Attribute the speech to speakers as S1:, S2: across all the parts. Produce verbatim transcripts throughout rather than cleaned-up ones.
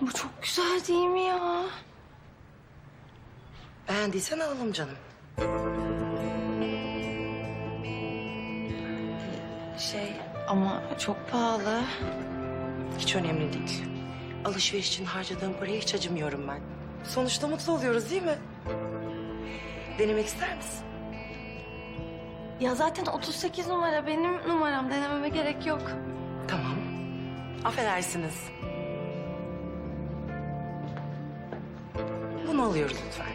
S1: Bu çok güzel değil mi ya?
S2: Beğendiysen alalım canım.
S1: Şey ama çok pahalı.
S2: Hiç önemli değil. Alışveriş için harcadığım paraya hiç acımıyorum ben. Sonuçta mutlu oluyoruz değil mi? Denemek ister misin?
S1: Ya zaten otuz sekiz numara benim numaram. Denememe gerek yok.
S2: Tamam. Affedersiniz. Bunu alıyoruz lütfen.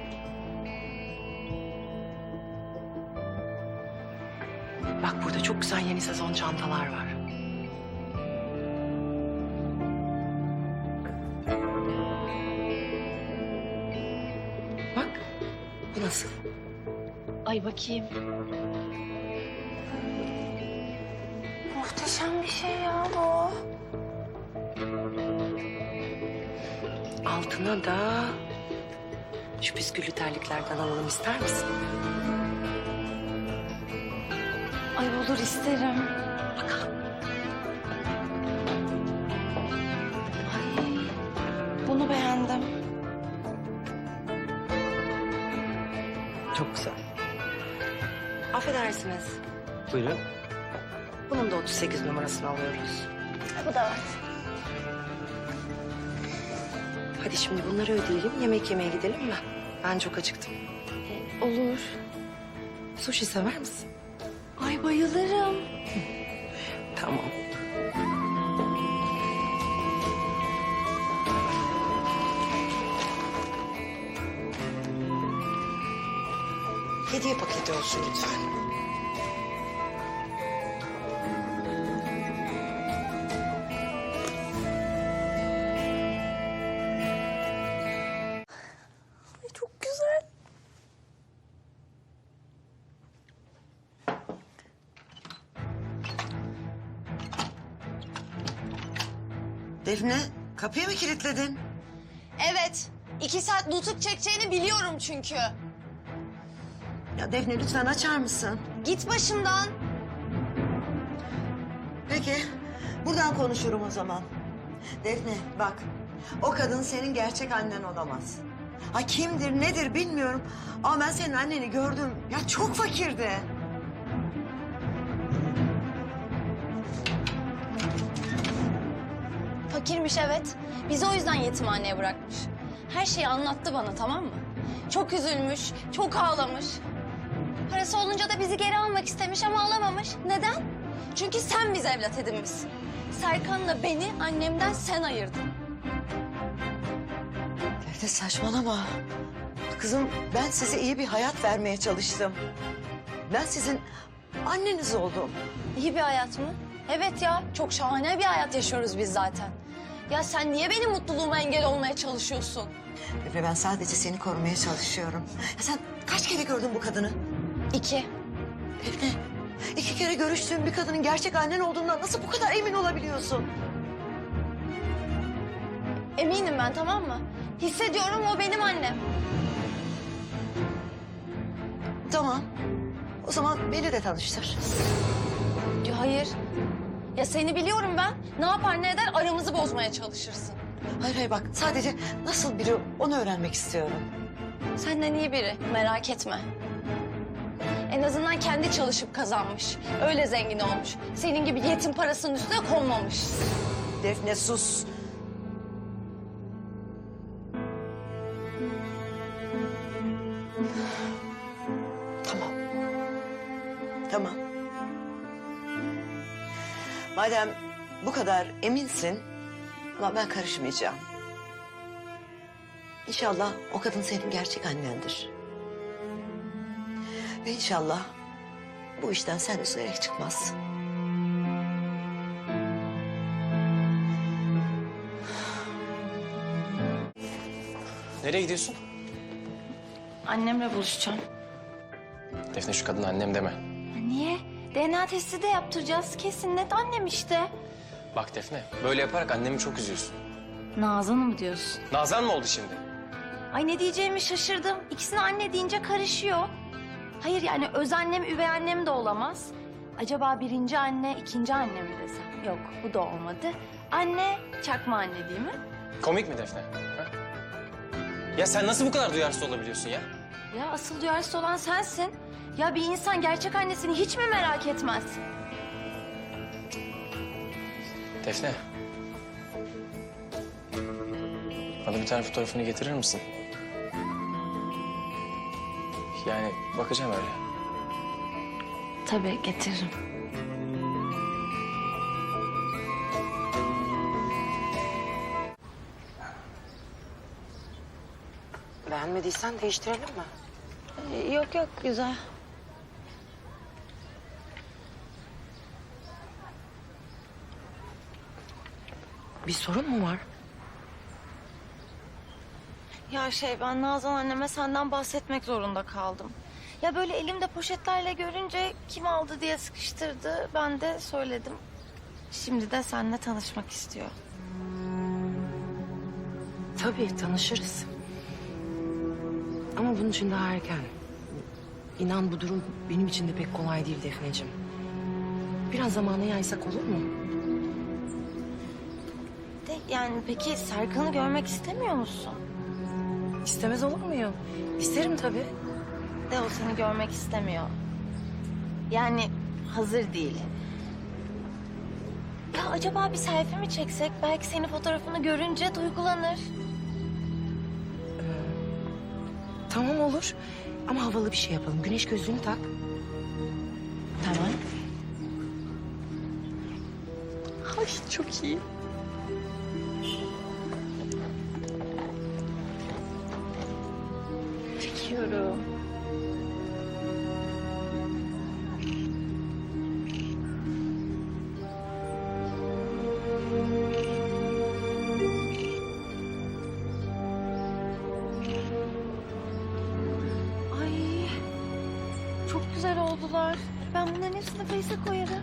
S2: Bak burada çok güzel yeni sezon çantalar var. Bak, bu nasıl?
S1: Ay bakayım. Muhteşem bir şey ya bu.
S2: Altına da şu püsküllü terliklerden alalım, ister misin?
S1: Ay olur, isterim.
S2: Bakalım.
S1: Ay bunu beğendim.
S2: Çok güzel. Affedersiniz.
S3: Buyurun.
S2: Bunun da otuz sekiz numarasını alıyoruz.
S1: Bu da var.
S2: Hadi şimdi bunları ödeyelim, yemek yemeye gidelim mi? Ben çok acıktım.
S1: Olur.
S2: Sushi sever misin?
S1: Ay bayılırım.
S2: Tamam. Hediye paketi olsun lütfen.
S1: Ay çok güzel.
S4: Defne, kapıyı mı kilitledin?
S5: Evet. iki saat nutuk çekeceğini biliyorum çünkü.
S4: Ya Defne lütfen açar mısın?
S5: Git başımdan.
S4: Peki, buradan konuşurum o zaman. Defne bak, o kadın senin gerçek annen olamaz. Ha kimdir, nedir bilmiyorum. Ama ben senin anneni gördüm. Ya çok fakirdi.
S5: Fakirmiş evet. Bizi o yüzden yetimhaneye bırakmış. Her şeyi anlattı bana, tamam mı? Çok üzülmüş, çok ağlamış. Parası olunca da bizi geri almak istemiş ama alamamış. Neden? Çünkü sen bizi evlat edinmişsin. Serkan'la beni annemden sen ayırdın.
S4: Defne saçmalama. Kızım ben size iyi bir hayat vermeye çalıştım. Ben sizin anneniz oldum.
S5: İyi bir hayat mı? Evet ya, çok şahane bir hayat yaşıyoruz biz zaten. Ya sen niye benim mutluluğuma engel olmaya çalışıyorsun?
S4: Defne ben sadece seni korumaya çalışıyorum. Ya sen kaç kere gördün bu kadını?
S5: İki.
S4: Defne, iki kere görüştüğün bir kadının gerçek annen olduğundan nasıl bu kadar emin olabiliyorsun?
S5: Eminim ben, tamam mı? Hissediyorum, o benim annem.
S4: Tamam. O zaman beni de tanıştır.
S5: Ya hayır. Ya seni biliyorum ben. Ne yapar ne eder aramızı bozmaya çalışırsın.
S4: Hayır hayır bak sadece nasıl biri onu öğrenmek istiyorum.
S5: Senden iyi biri, merak etme. En azından kendi çalışıp kazanmış. Öyle zengin olmuş. Senin gibi yetim parasının üstüne konmamış.
S4: Defne sus. Tamam. Tamam. Madem bu kadar eminsin, ama ben karışmayacağım. İnşallah o kadın senin gerçek annendir. Ve inşallah bu işten sen üzülerek çıkmazsın.
S3: Nereye gidiyorsun?
S1: Annemle buluşacağım.
S3: Defne şu kadına annem deme.
S1: Ya niye? D N A testi de yaptıracağız. Kesin net annem işte.
S3: Bak Defne, böyle yaparak annemi çok üzüyorsun.
S1: Nazan'ı mı diyorsun?
S3: Nazan mı oldu şimdi?
S1: Ay ne diyeceğimi şaşırdım. İkisini anne deyince karışıyor. Hayır yani öz annem, üvey annem de olamaz. Acaba birinci anne, ikinci anne mi desem? Yok, bu da olmadı. Anne, çakma anne değil mi?
S3: Komik mi Defne? Ha? Ya sen nasıl bu kadar duyarsız olabiliyorsun ya?
S1: Ya asıl duyarsız olan sensin. Ya bir insan gerçek annesini hiç mi merak etmez?
S3: Defne. Bana bir tane fotoğrafını getirir misin? Yani bakacağım öyle.
S1: Tabii getiririm.
S2: Beğenmediysen değiştirelim mi?
S1: Ee, yok yok güzel.
S2: Bir sorun mu var?
S1: Ya şey ben Nazan anneme senden bahsetmek zorunda kaldım. Ya böyle elimde poşetlerle görünce kim aldı diye sıkıştırdı. Ben de söyledim. Şimdi de seninle tanışmak istiyor.
S2: Tabii tanışırız. Ama bunun için daha erken. İnan bu durum benim için de pek kolay değil Defneciğim. Biraz zamanı yaysak olur mu?
S1: De yani peki Serkan'ı görmek istemiyor musun?
S2: İstemez olur muyum? İsterim tabii.
S1: De o seni görmek istemiyor. Yani hazır değil. Ya acaba bir selfie mi çeksek? Belki senin fotoğrafını görünce duygulanır.
S2: Tamam olur. Ama havalı bir şey yapalım. Güneş gözlüğünü tak.
S1: Tamam.
S2: Ay çok iyi.
S1: Çekiyorum. Ay, çok güzel oldular. Ben bunların hepsini Face'e koyarım.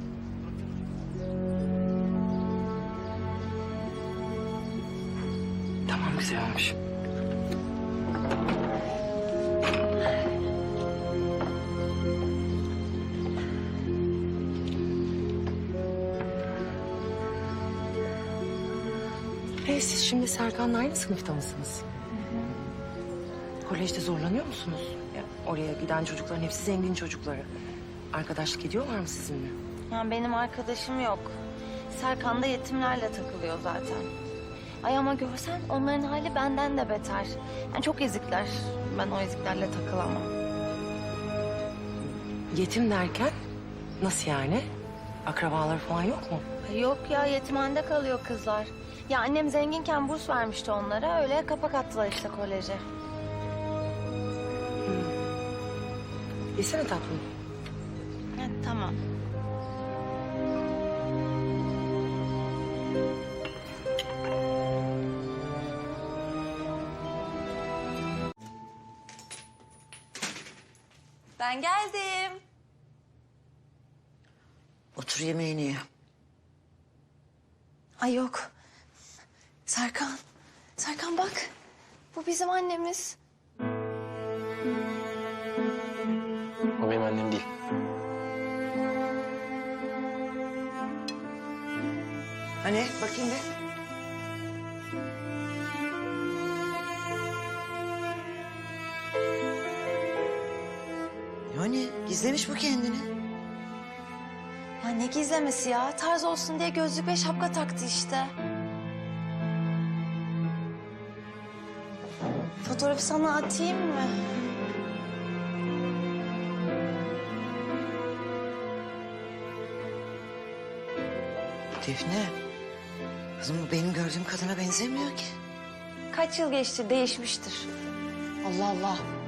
S2: Tamam güzel olmuş. E, siz şimdi Serkan'la aynı sınıfta mısınız? Kolejde zorlanıyor musunuz? Ya, oraya giden çocukların hepsi zengin çocukları. Arkadaşlık ediyorlar mı sizinle?
S1: Yani benim arkadaşım yok. Serkan da yetimlerle takılıyor zaten. Ay ama görsen onların hali benden de beter. Yani çok ezikler. Ben o eziklerle takılamam.
S2: Yetim derken nasıl yani? Akrabaları falan yok mu?
S1: Ay yok ya yetimhanede kalıyor kızlar. Ya annem zenginken burs vermişti onlara. Öyle kapak attılar işte koleje.
S2: Yesene tatlım.
S1: Ha, tamam.
S5: Ben geldim.
S4: Otur yemeğini ye.
S1: Ay yok. Serkan. Serkan bak. Bu bizim annemiz.
S3: O benim annem değil.
S4: Hani bakayım bir. Yani gizlemiş bu kendini.
S1: Ya ne gizlemesi ya? Tarz olsun diye gözlük ve şapka taktı işte. Fotoğrafı sana atayım mı?
S4: Defne. Kızım bu benim gördüğüm kadına benzemiyor ki.
S1: Kaç yıl geçti değişmiştir.
S5: Allah Allah.